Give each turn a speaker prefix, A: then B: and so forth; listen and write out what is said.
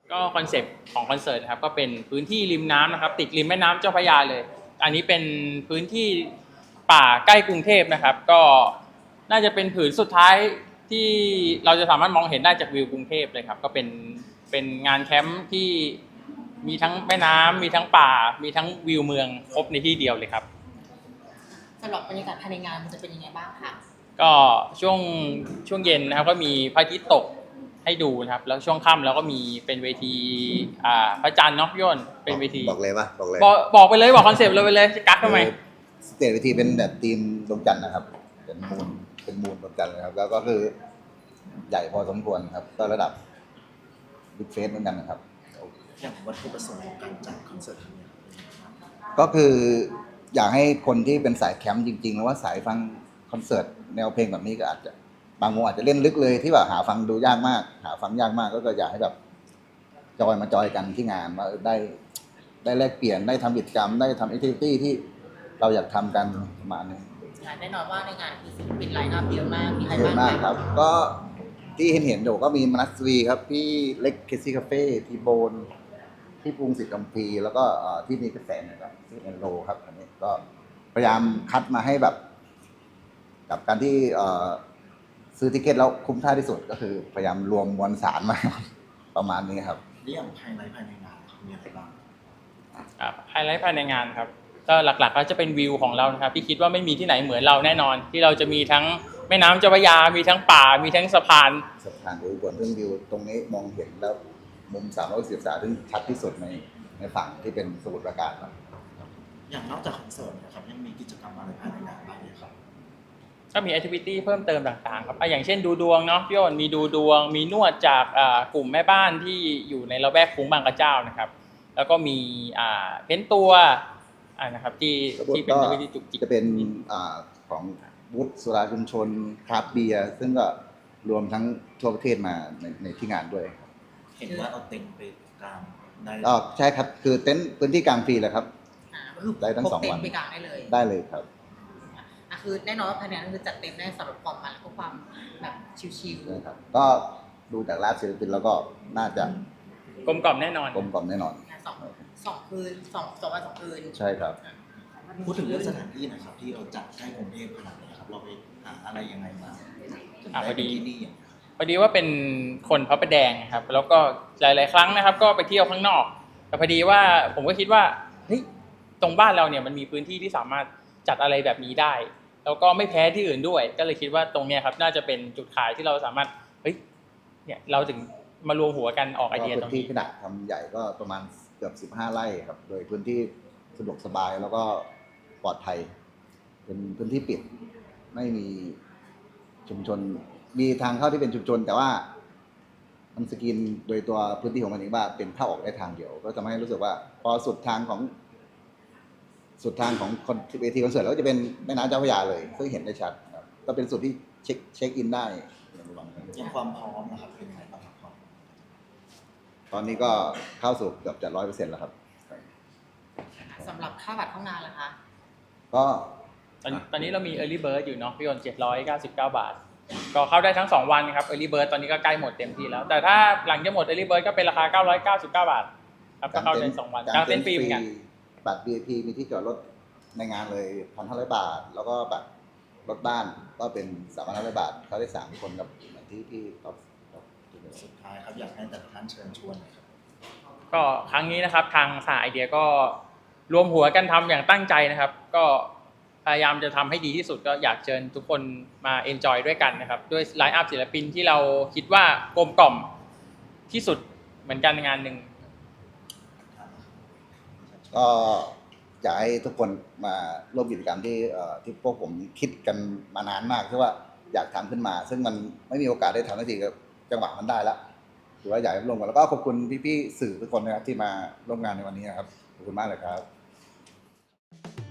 A: ก็คอนเซปต์ของคอนเสิร์ตครับก็เป็นพื้นที่ริมน้ำนะครับติดริมแม่น้ำเจ้าพระยาเลยอันนี้เป็นพื้นที่ป่าใกล้กรุงเทพนะครับก็น่าจะเป็นผืนสุดท้ายที่เราจะสามารถมองเห็นได้จากวิวกรุงเทพเลยครับก็เป็นงานแคมป์ที่มีทั้งแม่น้ำมีทั้งป่ามีทั้งวิวเมืองครบในที่เดียวเลยครับ
B: สำหรับบรรยากาศภายในงานมันจะเป็นยังไงบ้างคะ
A: ก็ช่วงเย็นนะครับก็มีพระอาทิตย์ตกให้ดูนะครับแล้วช่วงค่ำแล้วก็มีเป็นเวทีพระจันทร์เนาะพี่อ้นเป็นเวที
C: บอกเลยป่ะบอกเลย
A: บอกไปเลยบอกคอนเซปต์เลยไปเลยจะกักทำไม
C: สเตจเวทีเป็นแบบทีมดวงจันทร์นะครับเป็นมูลดวงจันทร์นะครับแล้วก็คือใหญ่พอสมควรครับก็ระดับบิ๊กเฟสเหมือนกันนะครับ
D: อย่างวัตถุประสงค์ของการจัดคอนเสิร์ตครั้งนี้
C: ก็คืออยากให้คนที่เป็นสายแคมป์จริงๆหรือว่าสายฟังคอนเสิร์ตแนวเพลงแบบนี้ก็อาจจะบางวงอาจจะเล่นลึกเลยที่แบบหาฟังดูยากมากหาฟังยากมากก็อยากให้แบบจอยกันที่งานว่าได้แลกเปลี่ยนได้ทำกิจกรรมได้ทำแอคทิวิตี้ที่เราอยากทำกันประมาณนี้
B: แน่นอนว่าในงานคือศิลปินไลน์อัพเยอะมากมีใคร
C: เย
B: บ้าง
C: อะมากครับก็ที่เห็นอยู่ก็มีมนัสวีครับพี่เล็กเคซี่คาเฟ่ทีโบนที่ปรุงสิทธิ์กัมพีแล้วก็ที่มีกระแสนะครับที่เอ็นโลครับอันนี้ก็พยายามคัดมาให้แบบกับการที่ซื้อติเกตแล้วคุ้มค่าที่สุดก็คือพยายามรวมมวลสารมาประมาณนี้ครับ
D: เรื่องภายในงานมีอะไรบ้าง
A: ไฮไลท์ภายในงานครับก็หลักๆก็จะเป็นวิวของเรานะครับที่คิดว่าไม่มีที่ไหนเหมือนเราแน่นอนที่เราจะมีทั้งแม่น้ำเจ้าพระยามีทั้งป่ามีทั้งสะพาน
C: ดูก่อนเรื่องวิวตรงนี้มองเห็นแล้วมุม360องศาซึ่งชัดที่สุดในฝั่งที่เป็นสมุทรปราการครับ
D: อย่างนอกจากคอนเสิร์ตนะครับยังมีกิจกรรมอะไรภายในงานบ้างไหมครับ
A: ก็มีแอคทิวิตี้เพิ่มเติมต่างๆครับอย่างเช่นดูดวงเนาะพี่อ้นมีดูดวงมีนวดจากกลุ่มแม่บ้านที่อยู่ในละแวกคุ้งบางกระเจ้านะครับแล้วก็มีเพ้นตัวนะครับที่เป็นวิธีจุกจิก
C: จะเป็นของบูธสุราชุมชนคราฟต์เบียร์ซึ่งก็รวมทั้งทั่วประเทศมาในที่งานด้วย
D: เห็นว่าเอาเต็นท์ไปกางได้
C: ใช่ครับคือเต็นท์พื้นที่กลางฟรีเลยครับได้ทั้ง2 วัน
B: ไปกางได้เลย
C: ครับ
B: คือแน่นอนว่าภายในนั้นคือจัดเต็มได้สำหรับความมันและความแบบชิลๆ
C: นะครับก็ดูจากไลฟ์ศิลปินแล้วก็น่าจะ
A: กลมกล่อมแน่นอน
B: สองคืนสองวัน2 คืน
C: ใช่ครับ
D: พูดถึงเรื่องสถานที่หน่อยครับที่เราจัดใกล้กรุงเทพขนาดนี้ครับเราไปหาอะไรยังไงมา
A: พอดีว่าเป็นคนพระประแดงครับแล้วก็หลายๆครั้งนะครับก็ไปเที่ยวข้างนอกแต่พอดีว่าผมก็คิดว่าเฮ้ยตรงบ้านเราเนี่ยมันมีพื้นที่ที่สามารถจัดอะไรแบบนี้ได้แล้วก็ไม่แพ้ที่อื่นด้วยก็เลยคิดว่าตรงเนี้ยครับน่าจะเป็นจุดขายที่เราสามารถเนี่ยเราถึงมารวมหัวกันออกไอเดียตรงนี้
C: พื้นที่ขนาดทำใหญ่ก็ประมาณเกือบ15 ไร่ครับโดยพื้นที่สะดวกสบายแล้วก็ปลอดภัยเป็นพื้นที่ปิดไม่มีชุมชนมีทางเข้าที่เป็นชุมชนแต่ว่ามันสกรีนโดยตัวพื้นที่ของมันเองว่าเป็นเข้าออกได้ทางเดียวก็จะไม่ให้รู้สึกว่าพอสุดทางของเวทีคอนเสิร์ตแล้วก็จะเป็นแม่น้ำเจ้าพระยาเลยซึ่งเห็นได้ชัดครับก็เป็นจุดที่เช็คอินได้
D: อย่างความพร้อมนะครับเป็นไงบ้างครับ
C: ตอนนี้ก็เข้าสู่เกือบจะ 100% แล้วครับ
B: สำหรับค่าบัตรเข้างานล่ะคะ
C: ก็
A: ตอนนี้เรามี Early Bird อยู่เนาะพี่ยนต์799 บาทก็เข้าได้ทั้ง2 วันครับ Early Bird ตอนนี้ก็ใกล้หมดเต็มที่แล้วแต่ถ้าหลังจะหมด Early Bird ก็เป็นราคา999 บาทครับก็เข้าได้2 วันกางเต็นท์ฟรีเหมือนกัน
C: บัตร VIP มีที่จอดรถในงานเลย 1,500 บาทแล้วก็บัตรรถบ้านก็เป็น 3,500 บาทเข้าได้3 คนกับที่ท็อป
D: สุดท้ายครับอยากให้แต่ละท่านเชิญชวนครับ
A: ก็ครั้งนี้นะครับทางสายไอเดียก็รวมหัวกันทำอย่างตั้งใจนะครับก็พยายามจะทำให้ดีที่สุดก็อยากเชิญทุกคนมาเอนจอยด้วยกันนะครับด้วยไลน์อัพศิลปินที่เราคิดว่ากลมกล่อมที่สุดเหมือนกันในงานหนึ่ง
C: ก็อยากให้ทุกคนมาร่วมกิจกรรมที่พวกผมคิดกันมานานมากที่ว่าอยากทำขึ้นมาซึ่งมันไม่มีโอกาสได้ทำทันทีกับจังหวะมันได้แล้วถือว่าอยากให้ร่วมกันแล้วก็ขอบคุณพี่ๆสื่อทุกคนนะครับที่มาร่วมงานในวันนี้นะครับขอบคุณมากเลยครับ